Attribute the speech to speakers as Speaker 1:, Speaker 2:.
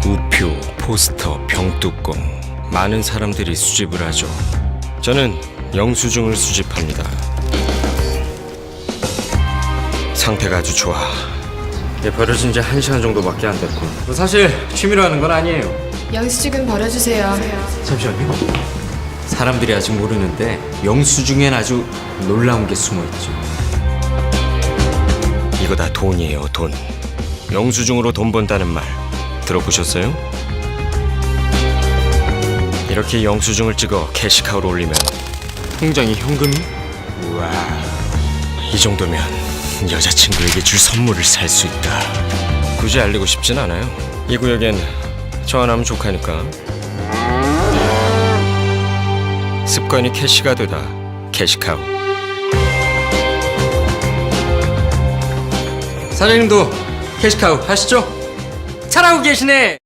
Speaker 1: 우표, 포스터, 병뚜껑 많은 사람들이 수집을 하죠. 저는 영수증을 수집합니다. 상태가 아주 좋아. 버려진 지 1시간 정도밖에 안 됐고 사실 취미로 하는 건 아니에요.
Speaker 2: 영수증은 버려주세요.
Speaker 1: 잠시만요. 사람들이 아직 모르는데 영수증엔 아주 놀라운 게 숨어있죠. 이거 다 돈이에요, 돈. 영수증으로 돈 번다는 말 들어보셨어요? 이렇게 영수증을 찍어 캐시카우로 올리면 통장에 현금이? 우와, 이 정도면 여자친구에게 줄 선물을 살 수 있다. 굳이 알리고 싶진 않아요. 이 구역엔 저 하나면 족하니까. 습관이 캐시가 되다. 캐시카우. 사장님도 캐시카우 하시죠? 잘하고 계시네.